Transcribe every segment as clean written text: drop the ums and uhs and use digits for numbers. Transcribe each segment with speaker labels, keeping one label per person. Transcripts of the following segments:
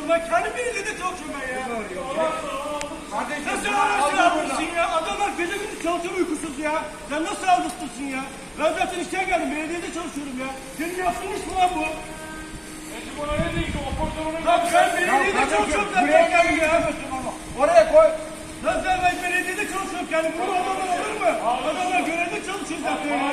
Speaker 1: çalışıyorum. Ben kendi belediyede çalışıyorum ben ya.
Speaker 2: Kardeşim,
Speaker 1: Nasıl araçla almışsın ya? Adamlar gece gündüz çalışıyor uykusuz ya. Sen nasıl almışsın ya? Ben zaten işten geldim. Belediyede çalışıyorum ya. Senin yaptığın iş mi lan bu?
Speaker 3: Buna ne diyeyim? O portafonun
Speaker 1: Lan ben belediyede çalışıyorum zaten kendim ya.
Speaker 2: oraya koy.
Speaker 1: Lan ben belediyede çalışıyorum kendim. Bunu adamlar alır mı? Adamlar görevde çalışıyor zaten ya.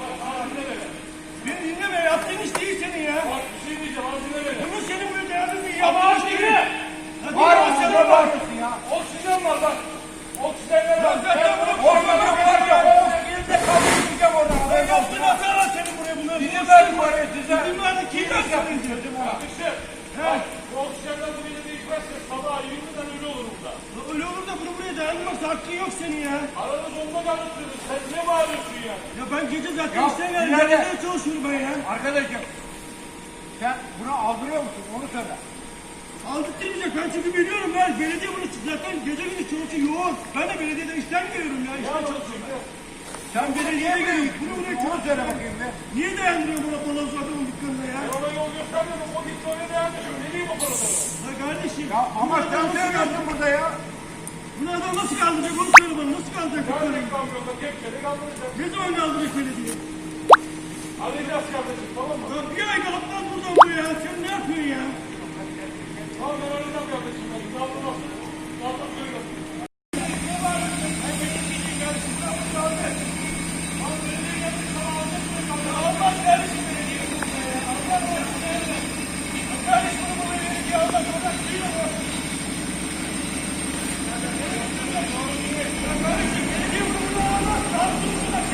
Speaker 1: Beni dinleme. Yaptığın iş değil senin ya.
Speaker 3: Bak bir şey diyeceğim. Az dinle beni.
Speaker 1: Bunu senin böyle değerli bir
Speaker 3: Ama
Speaker 1: yaptığın
Speaker 3: az
Speaker 1: iş değil.
Speaker 3: dinle.
Speaker 2: Var
Speaker 1: Lan
Speaker 2: mı?
Speaker 1: dinle,
Speaker 2: Ne
Speaker 1: sen
Speaker 2: bağırıyorsun ya?
Speaker 3: Oksijen var bak. Oksijenler var.
Speaker 1: zaten bunu
Speaker 2: Orada var ya, o ilde kaldıracağım oradan.
Speaker 1: ben yaptığın hata var senin buraya bunları.
Speaker 2: Bizim verdim oraya size.
Speaker 1: Bizim vardı kim yaptı?
Speaker 3: Kardeşim. Bak. Bu oksijenler buraya değişmezse sabah 20'den ölü olur burada.
Speaker 1: Öyle olur da bunu buraya dayanmaz. Hakkın yok senin ya.
Speaker 3: Aranız onda kalırsınız. Sen ne bağırıyorsun ya?
Speaker 1: Ya ben gece zaten
Speaker 2: Ya,
Speaker 1: işten geldim.
Speaker 2: ileride.
Speaker 1: Belediyede çalışıyorum ben ya.
Speaker 2: Arkadaşım, sen bunu aldırıyor musun? Onu söyle.
Speaker 1: Aldık demeyecek. Ben çünkü biliyorum ben. Belediye bunu zaten gece gündüz çalışıyor yoğun. Ben de belediyede işten geliyorum ya. İşten çalışıyorum.
Speaker 2: Sen belediyeye geliyorsun.
Speaker 1: Bunu buraya
Speaker 2: Onu
Speaker 1: çalışıyorum.
Speaker 2: söyle bakayım be.
Speaker 1: Niye dayandırıyor bana baloncu adamın dükkanına ya?
Speaker 3: Ona yol göstermiyorum. O gitti oraya devam ediyor. Ne diyeyim o parada?
Speaker 1: Ya kardeşim.
Speaker 2: Ya ama
Speaker 1: bunu
Speaker 2: sen
Speaker 1: adam nasıl
Speaker 2: söylüyorsun
Speaker 1: kaldıracak?
Speaker 2: burada ya.
Speaker 1: Bunu adam nasıl kaldıracak onu söyle bana. Nasıl kaldıracak dükkanı?
Speaker 3: Geldik kamyonda kepçeli kaldıracağız.
Speaker 1: Ne zaman kaldıracak belediye?
Speaker 3: Arayacağız kardeşim, tamam mı?
Speaker 1: Ya bir ay kalıptan buradan bu ya. Sen ne yapıyorsun ya?
Speaker 3: Tamam ben arayacağım kardeşim. Kaldır nasıl? Kaldır söyle.